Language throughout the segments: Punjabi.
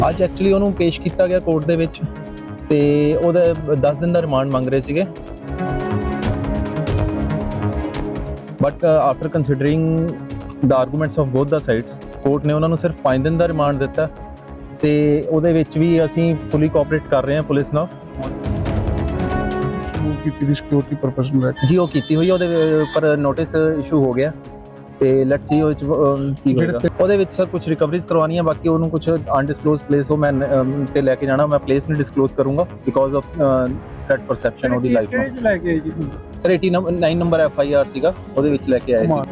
ਅੱਜ ਐਕਚੁਅਲੀ ਉਹਨੂੰ ਪੇਸ਼ ਕੀਤਾ ਗਿਆ ਕੋਰਟ ਦੇ ਵਿੱਚ ਤੇ ਉਹਦਾ 10 ਦਿਨ ਦਾ ਰਿਮਾਂਡ ਮੰਗ ਰਹੇ ਸੀਗੇ, but after considering the arguments of both the sides court ਨੇ ਉਹਨਾਂ ਨੂੰ ਸਿਰਫ 5 ਦਿਨ ਦਾ ਰਿਮਾਂਡ ਦਿੱਤਾ ਤੇ ਉਹਦੇ ਵਿੱਚ ਵੀ ਅਸੀਂ ਫੁੱਲੀ ਕੋਆਪਰੇਟ ਕਰ ਰਹੇ ਹਾਂ ਪੁਲਿਸ ਨਾਲ। ਕੀਤੀ ਦੀ ਸਿਕਿਉਰਿਟੀ ਪਰਪਸ ਨੂੰ ਲੈ ਕੇ ਜੀ ਉਹ ਕੀਤੀ ਹੋਈ, ਉਹਦੇ ਉੱਪਰ ਨੋਟਿਸ ਇਸ਼ੂ ਹੋ ਗਿਆ ਤੇ ਲੈਟਸ ਸੀ ਉਹ ਕੀ ਹੋਏਗਾ। ਉਹਦੇ ਵਿੱਚ ਸਰ ਕੁਝ ਰਿਕਵਰੀਜ਼ ਕਰਵਾਉਣੀਆਂ, ਬਾਕੀ ਉਹਨੂੰ ਕੁਝ ਅਨਡਿਸਕਲੋਜ਼ ਪਲੇਸ ਉਹ ਮੈਂ ਤੇ ਲੈ ਕੇ ਜਾਣਾ, ਮੈਂ ਪਲੇਸ ਨਹੀਂ ਡਿਸਕਲੋਜ਼ ਕਰੂੰਗਾ ਬਿਕੋਜ਼ ਆਫ ਥ੍ਰੈਟ ਪਰਸੈਪਸ਼ਨ ਉਹਦੀ ਲਾਈਫ ਨੂੰ। ਲੈ ਕੇ ਜੀ ਸਰ 89 ਨੰਬਰ FIR ਸੀਗਾ, ਉਹਦੇ ਵਿੱਚ ਲੈ ਕੇ ਆਏ ਸੀ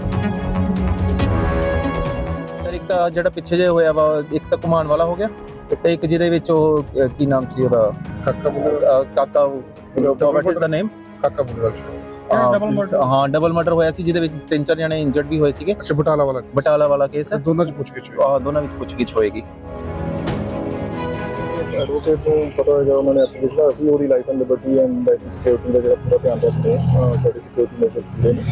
ਸਰ। ਇੱਕ ਤਾਂ ਜਿਹੜਾ ਪਿੱਛੇ ਜੇ ਹੋਇਆ ਵਾ, ਇੱਕ ਤਾਂ ਘੁਮਾਉਣ ਵਾਲਾ ਹੋ ਗਿਆ ਤੇ ਇੱਕ ਜਿਹਦੇ ਵਿੱਚ ਉਹ ਕੀ ਨਾਮ ਸੀ ਉਹਦਾ, ਕਾਕਾ ਵਾਟ ਇਜ਼ ਦਾ ਨੇਮ, ਕਾਕਾ ਬੁੱਲਰ ਹਾਂ ਡਬਲ ਮਰਡਰ ਹੋਇਆ ਸੀ ਜਿਹਦੇ ਵਿੱਚ 3-4 ਜਣੇ ਇੰਜਰਡ ਵੀ ਹੋਏ ਸੀਗੇ। ਅੱਛਾ ਬਟਾਲਾ ਵਾਲਾ ਕੇਸ ਹੈ, ਦੋਨਾਂ ਚ ਪੁੱਛਗਿੱਛ ਹੋਈ, ਦੋਨਾਂ ਵਿੱਚ ਪੁੱਛਗਿੱਛ ਹੋਏਗੀ। ਐਡਵੋਕੇਟ ਨੂੰ ਪਤਾ ਹੋਏਗਾ, ਉਹਨਾਂ ਨੇ ਐਪਲੀਕੇਸ਼ਨ ਅਸੀਂ ਉਹਦੀ life and liberty and life and security ਦਾ ਜਿਹੜਾ ਪੂਰਾ ਧਿਆਨ ਰੱਖਦੇ ਹਾਂ, ਸਾਡੀ ਸਿਕਿਉਰਿਟੀ ਮੇਜਰਸ ਪੂਰੇ ਨੇ।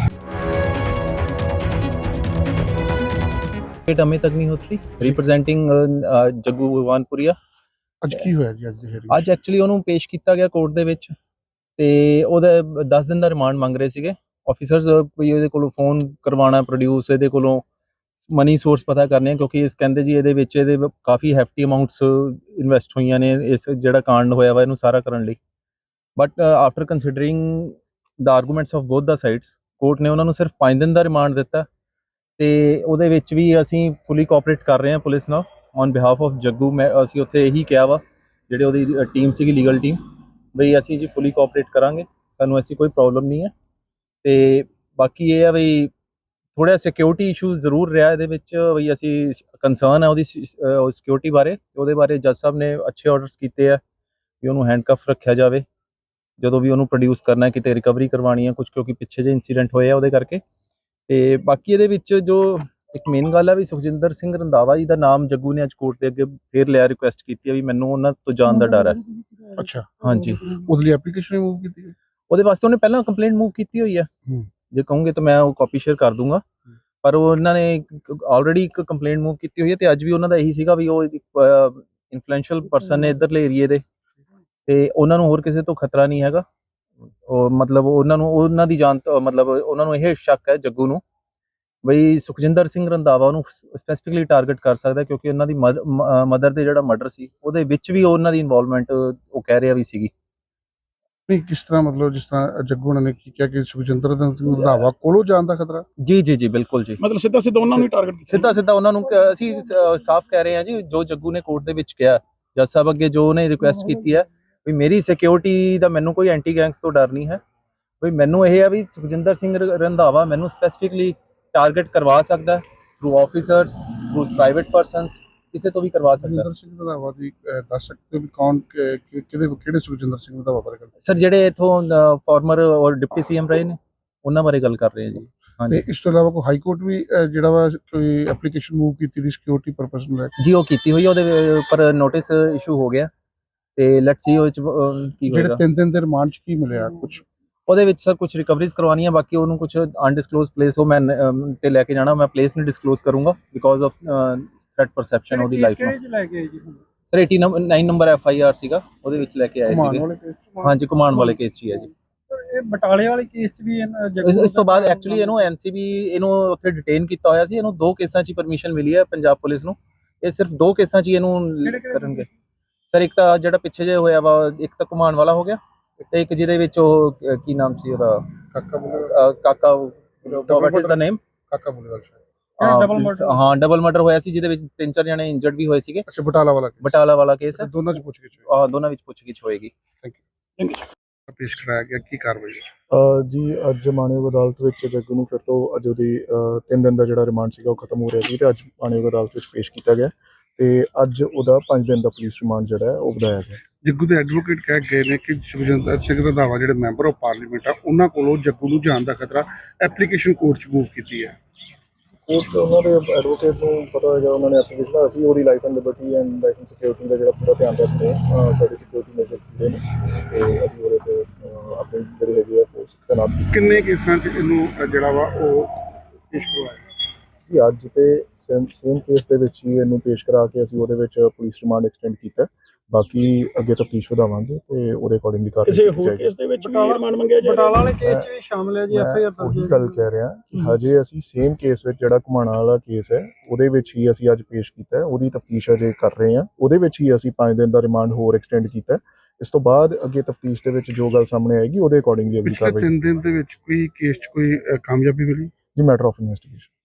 अमित अग्निहोत्री रिप्रेजेंटिंग जग्गू भगवानपुरिया। ਅੱਜ ਕੀ ਹੋਇਆ ਜੀ ਅੱਜ ਦੀ hearing? ਅੱਜ ਐਕਚੁਅਲੀ ਉਹਨੂੰ ਪੇਸ਼ ਕੀਤਾ ਗਿਆ ਕੋਰਟ ਦੇ ਵਿੱਚ ਤੇ ਉਹਦਾ 10 ਦਿਨ ਦਾ ਰਿਮਾਂਡ ਮੰਗ ਰਹੇ ਸੀਗੇ ਆਫੀਸਰਸ, ਕੋਈ ਇਹਦੇ ਕੋਲੋਂ ਫੋਨ ਕਰਵਾਉਣਾ ਪ੍ਰੋਡਿਊਸ, ਇਹਦੇ ਕੋਲੋਂ ਮਨੀ ਸੋਰਸ ਪਤਾ ਕਰਨੇ, ਕਿਉਂਕਿ ਇਸ ਕਹਿੰਦੇ ਜੀ ਇਹਦੇ ਵਿੱਚ ਇਹਦੇ ਕਾਫੀ ਹੈਫਟੀ ਅਮਾਉਂਟਸ ਇਨਵੈਸਟ ਹੋਈਆਂ ਨੇ ਇਸ ਜਿਹੜਾ ਕਾਂਡ ਹੋਇਆ ਵਾ ਇਹਨੂੰ ਸਾਰਾ ਕਰਨ ਲਈ। But after considering the arguments of both the sides court ਨੇ ਉਹਨਾਂ ਨੂੰ ਸਿਰਫ 5 ਦਿਨ ਦਾ ਰਿਮਾਂਡ ਦਿੱਤਾ ਤੇ ਉਹਦੇ ਵਿੱਚ ਵੀ ਅਸੀਂ ਫੁੱਲੀ ਕੋਆਪਰੇਟ ਕਰ ਰਹੇ ਹਾਂ ਪੁਲਿਸ ਨਾਲ ਔਨ ਬਿਹਾਫ ਆਫ ਜੱਗੂ। ਮੈਂ ਅਸੀਂ ਉੱਥੇ ਇਹੀ ਕਿਹਾ ਵਾ ਜਿਹੜੇ ਉਹਦੀ ਟੀਮ ਸੀਗੀ ਲੀਗਲ ਟੀਮ, ਬਈ ਅਸੀਂ ਜੀ ਫੁੱਲੀ ਕੋਆਪਰੇਟ ਕਰਾਂਗੇ, ਸਾਨੂੰ ਐਸੀ ਕੋਈ ਪ੍ਰੋਬਲਮ ਨਹੀਂ ਹੈ। ਤੇ ਬਾਕੀ ਇਹ ਆ ਬਈ ਥੋੜ੍ਹਾ ਸਿਕਿਉਰਿਟੀ ਇਸ਼ੂ ਜ਼ਰੂਰ ਰਿਹਾ ਇਹਦੇ ਵਿੱਚ, ਬਈ ਅਸੀਂ ਕੰਸਰਨ ਹੈ ਉਹਦੀ ਸਿਕਿਉਰਿਟੀ ਬਾਰੇ। ਉਹਦੇ ਬਾਰੇ ਜੱਜ ਸਾਹਿਬ ਨੇ ਅੱਛੇ ਆਰਡਰਸ ਕੀਤੇ ਆ ਵੀ ਉਹਨੂੰ ਹੈਂਡਕਫ ਰੱਖਿਆ ਜਾਵੇ ਜਦੋਂ ਵੀ ਉਹਨੂੰ ਪ੍ਰੋਡਿਊਸ ਕਰਨਾ, ਕਿਤੇ ਰਿਕਵਰੀ ਕਰਵਾਉਣੀ ਹੈ ਕੁਝ, ਕਿਉਂਕਿ ਪਿੱਛੇ ਜਿਹੇ ਇੰਸੀਡੈਂਟ ਹੋਏ ਆ ਉਹਦੇ ਕਰਕੇ। ਤੇ ਬਾਕੀ ਇਹਦੇ ਵਿੱਚ ਜੋ ਇੱਕ ਮੇਨ ਗੱਲ ਆ ਵੀ ਸੁਖਜਿੰਦਰ ਸਿੰਘ ਰੰਧਾਵਾ ਜੀ ਦਾ ਨਾਮ ਜੱਗੂ ਨੇ ਅੱਜ ਕੋਰਟ ਦੇ ਅੱਗੇ ਫੇਰ ਲਿਆ, ਰਿਕੁਐਸਟ ਕੀਤੀ ਆ ਵੀ ਮੈਨੂੰ ਉਹਨਾਂ ਤੋਂ ਜਾਣ ਦਾ ਡਰ ਹੈ। ਅੱਛਾ ਹਾਂਜੀ, ਉਹਦੇ ਲਈ ਐਪਲੀਕੇਸ਼ਨ ਰਿਮੂਵ ਕੀਤੀ? ਉਹਦੇ ਵਾਸਤੇ ਉਹਨੇ ਪਹਿਲਾਂ ਕੰਪਲੇਂਟ ਮੂਵ ਕੀਤੀ ਹੋਈ ਆ, ਜੇ ਕਹੋਗੇ ਤਾਂ ਮੈਂ ਉਹ ਕਾਪੀ ਸ਼ੇਅਰ ਕਰ ਦੂੰਗਾ, ਪਰ ਉਹਨਾਂ ਨੇ ਆਲਰੇਡੀ ਇੱਕ ਕੰਪਲੇਂਟ ਮੂਵ ਕੀਤੀ ਹੋਈ ਹੈ ਤੇ ਅੱਜ ਵੀ ਉਹਨਾਂ ਦਾ ਇਹੀ ਸੀਗਾ ਵੀ ਉਹ ਇਨਫਲੂਐਂਸ਼ੀਅਲ ਪਰਸਨ ਨੇ ਇੱਧਰਲੇ ਏਰੀਏ ਦੇ ਤੇ ਉਹਨਾਂ ਨੂੰ ਹੋਰ ਕਿਸੇ ਤੋਂ ਖਤਰਾ ਨਹੀਂ ਹੈਗਾ। ਉਹ ਮਤਲਬ ਉਹਨਾਂ ਨੂੰ ਉਹਨਾਂ ਦੀ ਜਾਨ ਮਤਲਬ ਉਹਨਾਂ ਨੂੰ ਇਹ ਸ਼ੱਕ ਹੈ ਜੱਗੂ ਨੂੰ ਬਈ ਸੁਖਜਿੰਦਰ ਸਿੰਘ ਰੰਧਾਵਾ ਉਹਨੂੰ ਸਪੈਸੀਫਿਕਲੀ ਟਾਰਗੇਟ ਕਰ ਸਕਦਾ, ਕਿਉਂਕਿ ਉਹਨਾਂ ਦੀ ਮਦਰ ਦੇ ਜਿਹੜਾ ਮਰਡਰ ਸੀ ਉਹਦੇ ਵਿੱਚ ਵੀ ਉਹਨਾਂ ਦੀ ਇਨਵੋਲਵਮੈਂਟ ਉਹ ਕਹਿ ਰਿਹਾ ਵੀ ਸੀਗੀ। ਨਹੀਂ ਕਿਸ ਤਰ੍ਹਾਂ, ਮਤਲਬ ਜਿਸ ਤਰ੍ਹਾਂ ਜੱਗੂ ਨੇ ਕੀ ਕਿਹਾ ਕਿ ਸੁਖਜਿੰਦਰ ਸਿੰਘ ਰੰਧਾਵਾ ਕੋਲੋਂ ਜਾਣ ਦਾ ਖਤਰਾ? ਜੀ ਜੀ ਜੀ ਬਿਲਕੁਲ ਜੀ, ਮਤਲਬ ਸਿੱਧਾ ਉਹਨਾਂ ਨੂੰ ਟਾਰਗੇਟ ਕੀਤਾ, ਸਿੱਧਾ ਉਹਨਾਂ ਨੂੰ ਅਸੀਂ ਸਾਫ਼ ਕਹਿ ਰਹੇ ਹਾਂ ਜੀ, ਜੋ ਜੱਗੂ ਨੇ ਕੋਰਟ ਦੇ ਵਿੱਚ ਕਿਹਾ ਜੱਜ ਸਾਹਿਬ ਅੱਗੇ, ਜੋ ਉਹਨੇ ਰਿਕੁਐਸਟ ਕੀਤੀ ਹੈ ਵੀ ਮੇਰੀ ਸਿਕਿਉਰਿਟੀ ਦਾ ਮੈਨੂੰ ਕੋਈ ਐਂਟੀ ਗੈਂਗਸ ਤੋਂ ਡਰ ਨਹੀਂ ਹੈ, ਵੀ ਮੈਨੂੰ ਇਹ ਹੈ ਵੀ ਸੁਖਜਿੰਦਰ ਸਿੰਘ ਰੰਧਾਵਾ ਮੈਨੂੰ ਸਪੈਸੀਫਿਕਲੀ ਟਾਰਗੇਟ ਕਰਵਾ ਸਕਦਾ through officers, through private persons, ਕਿਸੇ ਤੋਂ ਵੀ ਕਰਵਾ ਸਕਦਾ। ਸੁਖਜਿੰਦਰ ਸਿੰਘ ਰੰਧਾਵਾ ਦੀ ਦੱਸ ਸਕਦੇ ਹੋ ਵੀ ਕੌਣ ਕਿਹੜੇ ਸੁਖਜਿੰਦਰ ਸਿੰਘ ਰੰਧਾਵਾ ਬਾਰੇ ਗੱਲ? ਸਰ ਜਿਹੜੇ ਇਥੋਂ ਫਾਰਮਰ ਔਰ ਡਿਪਟੀ CM ਰਹੇ ਨੇ ਉਹਨਾਂ ਬਾਰੇ ਗੱਲ ਕਰ ਰਹੇ ਹਾਂ ਜੀ। ਤੇ ਇਸ ਤੋਂ ਇਲਾਵਾ ਕੋਈ ਹਾਈ ਕੋਰਟ ਵੀ ਜਿਹੜਾ ਵਾ ਕੋਈ ਐਪਲੀਕੇਸ਼ਨ ਮੂਵ ਕੀਤੀ ਦੀ ਸਿਕਿਉਰਿਟੀ ਪਰਪਸ ਨੂੰ ਲੈ ਕੇ? ਜੀ ਉਹ ਕੀਤੀ ਹੋਈ, ਉਹਦੇ ਉੱਪਰ ਨੋਟਿਸ ਇਸ਼ੂ ਹੋ ਗਿਆ ਤੇ ਲੈਟਸ ਸੀ ਉਹ ਕੀ ਹੋਏਗਾ। ਜਿਹੜੇ 3 ਦਿਨ ਦੇ ਰਿਮਾਂਡ ਚ ਕੀ ਮਿਲਿਆ ਕੁਝ? ਉਹਦੇ ਵਿੱਚ ਸਰ ਕੁਝ ਰਿਕਵਰੀਜ਼ ਕਰਵਾਉਣੀਆਂ, ਬਾਕੀ ਉਹਨੂੰ ਕੁਝ ਅਨਡਿਸਕਲੋਜ਼ ਪਲੇਸ ਉਹ ਮੈਂ ਤੇ ਲੈ ਕੇ ਜਾਣਾ, ਮੈਂ ਪਲੇਸ ਨਹੀਂ ਡਿਸਕਲੋਜ਼ ਕਰੂੰਗਾ ਬਿਕੋਜ਼ ਆਫ ਥ੍ਰੈਟ ਪਰਸੈਪਸ਼ਨ ਉਹਦੀ ਲਾਈਫ ਨੂੰ। ਲੈ ਕੇ ਜੀ ਸਰ 89 ਨੰਬਰ FIR ਸੀਗਾ, ਉਹਦੇ ਵਿੱਚ ਲੈ ਕੇ ਆਏ ਸੀਗੇ। ਹਾਂਜੀ ਘੁਮਾਉਣ ਵਾਲੇ ਕੇਸ 'ਚ ਹੀ ਹੈ ਜੀ। ਇਹ ਬਟਾਲੇ ਵਾਲੇ ਕੇਸ 'ਚ ਵੀ ਇਸ ਤੋਂ ਬਾਅਦ ਐਕਚੁਅਲੀ ਇਹਨੂੰ NCB ਇਹਨੂੰ ਉੱਥੇ ਡਿਟੇਨ ਕੀਤਾ ਹੋਇਆ ਸੀ, ਇਹਨੂੰ 2 ਕੇਸਾਂ 'ਚ ਪਰਮਿਸ਼ਨ ਮਿਲੀ ਹੈ ਪੰਜਾਬ ਪੁਲਿਸ ਨੂੰ, ਇਹ ਸਿਰਫ 2 ਕੇਸਾਂ 'ਚ ਇਹਨੂੰ ਕਰਨਗੇ। ਸਰ ਇੱਕ ਤਾਂ ਜਿਹੜਾ ਪਿੱਛੇ ਜੇ ਹੋਇਆ ਵਾ, ਇੱਕ ਤਾਂ ਘੁਮਾਉਣ ਵਾਲਾ ਹੋ ਗਿਆ ਤੇ ਇੱਕ ਜਿਹਦੇ ਵਿੱਚ ਉਹ ਕੀ ਨਾਮ ਸੀ ਉਹਦਾ, ਕਾਕਾ ਵਾਟ ਇਜ਼ ਦਾ ਨੇਮ, ਕਾਕਾ ਬੁੱਲਰ ਹਾਂ ਡਬਲ ਮਰਡਰ ਹੋਇਆ ਸੀ ਜਿਹਦੇ ਵਿੱਚ 3-4 ਜਣੇ ਇੰਜਰਡ ਵੀ ਹੋਏ ਸੀਗੇ। ਅੱਛਾ ਬਟਾਲਾ ਵਾਲਾ ਕੇਸ ਹੈ, ਦੋਨਾਂ ਚ ਪੁੱਛਗਿੱਛ ਹੋਈ, ਦੋਨਾਂ ਵਿੱਚ ਪੁੱਛਗਿੱਛ ਹੋਏਗੀ। Thank you. ਪੇਸ਼ ਕਰਾਇਆ ਗਿਆ, ਕੀ ਕਾਰਵਾਈ ਜੀ? ਅੱਜ ਮਾਣਯੋਗ ਅਦਾਲਤ ਵਿੱਚ ਜੱਗੂ ਨੂੰ ਫਿਰ ਤੋਂ ਅੱਜ ਉਹਦੀ 3 ਦਿਨ ਦਾ ਜਿਹੜਾ ਰਿਮਾਂਡ ਸੀਗਾ ਉਹ ਖਤਮ ਹੋ ਰਿਹਾ ਸੀ ਤੇ ਅੱਜ ਮਾਣਯੋਗ ਅਦਾਲਤ ਵਿੱਚ ਪੇਸ਼ ਕੀਤਾ ਗਿਆ ਤੇ ਅੱਜ ਉਹਦਾ 5 ਦਿਨ ਦਾ ਪੁਲਿਸ ਰਿਮਾਂਡ ਜਿਹੜਾ ਹੈ ਉਹ ਵਧਾਇਆ ਗਿਆ। ਜੱਗੂ ਦੇ ਐਡਵੋਕੇਟ ਕਹਿ ਗਏ ਨੇ ਕਿ ਸੁਖਜਿੰਦਰ ਸਿੰਘ ਰੰਧਾਵਾ ਜਿਹੜੇ ਮੈਂਬਰ ਆਫ ਪਾਰਲੀਮੈਂਟ ਆ ਉਹਨਾਂ ਕੋਲੋਂ ਜੱਗੂ ਨੂੰ ਜਾਣ ਦਾ ਖਤਰਾ, ਐਪਲੀਕੇਸ਼ਨ ਕੋਰਟ 'ਚ ਮੂਵ ਕੀਤੀ ਹੈ। ਕੋਰਟ ਉਹਨਾਂ ਦੇ ਐਡਵੋਕੇਟ ਨੂੰ ਪਤਾ ਹੋਏਗਾ, ਉਹਨਾਂ ਨੇ ਐਪਲੀਕੇਸ਼ਨ ਅਸੀਂ ਉਹਦੀ life and liberty and life and security ਦਾ ਜਿਹੜਾ ਪੂਰਾ ਧਿਆਨ ਰੱਖਦੇ ਹਾਂ, ਸਾਡੀ ਸਿਕਿਉਰਿਟੀ ਮੇਜਰਸ ਪੂਰੇ ਨੇ ਤੇ ਅਸੀਂ ਉਹਦੇ ਤੇ ਆਪਣੀ ਜਿਹੜੀ ਹੈਗੀ ਆ ਫੋਰਸ ਤੈਨਾਤ ਕੀਤੀ। ਕਿੰਨੇ ਕੇਸਾਂ 'ਚ ਇਹਨੂੰ ਜਿਹੜਾ ਵਾ ਉਹ ਪੇਸ਼ ਕਰਵਾਇਆ? ਜੀ ਅੱਜ ਤੇ ਸੇਮ ਕੇਸ ਦੇ ਵਿੱਚ ਹੀ ਇਹਨੂੰ ਪੇਸ਼ ਕਰਾ ਕੇ ਅਸੀਂ ਉਹਦੇ ਵਿੱਚ ਪੁਲਿਸ ਰਿਮਾਂਡ ਐਕਸਟੈਂਡ ਕੀਤਾ ਹੈ। ਬਾਕੀ ਅੱਗੇ ਤਫਤੀਸ਼ ਵਧਾਵਾਂਗੇ ਤੇ ਉਹਦੇ ਅਕੋਰਡਿੰਗਲੀ ਕਾਰਵਾਈ ਕਿਸੇ ਕੀਤੀ ਹੋਰ ਜਾਏਗੀ। ਕੇਸ ਦੇ ਵਿੱਚ ਵੀ ਰਿਮਾਂਡ ਮੰਗਿਆ ਜਾ ਬਟਾਲਾ ਰਿਹਾ ਵਾਲੇ ਕੇਸ 'ਚ ਵੀ ਸ਼ਾਮਲ ਹੈ ਜੀ, ਐਫ ਆਈ ਆਰ ਦਰਜ ਉਹੀ ਹੈ ਗੱਲ ਕਹਿ ਰਿਹਾ ਕਿ ਹਜੇ ਅਸੀਂ ਸੇਮ ਕੇਸ ਵਿੱਚ ਜਿਹੜਾ ਘੁਮਾਣਾ ਵਾਲਾ ਕੇਸ ਹੈ ਉਹਦੇ ਵਿੱਚ ਹੀ ਅਸੀਂ ਅੱਜ ਪੇਸ਼ ਕੀਤਾ ਹੈ। ਉਹਦੀ ਤਫਤੀਸ਼ ਅਜੇ ਕਰ ਰਹੇ ਹਾਂ। ਉਹਦੇ ਵਿੱਚ ਹੀ ਅਸੀਂ 5 ਦਿਨ ਦਾ ਰਿਮਾਂਡ ਹੋਰ ਐਕਸਟੈਂਡ ਕੀਤਾ ਹੈ। ਇਸ ਤੋਂ ਬਾਅਦ ਅੱਗੇ ਤਫਤੀਸ਼ ਦੇ ਵਿੱਚ ਜੋ ਗੱਲ ਸਾਹਮਣੇ ਆਏਗੀ ਉਹਦੇ ਅਕੋਰਡਿੰਗਲੀ ਅਗਲੀ ਪਿਛਲੇ ਕਾਰਵਾਈ 3 ਦਿਨ ਦੇ ਵਿੱਚ ਕੋਈ ਕੇਸ 'ਚ ਕੋਈ ਕਾਮਯਾਬੀ ਮਿਲੀ? ਜੀ ਮੈਟਰ ਆਫ ਇਨਵੈਸਟੀਗੇਸ਼ਨ।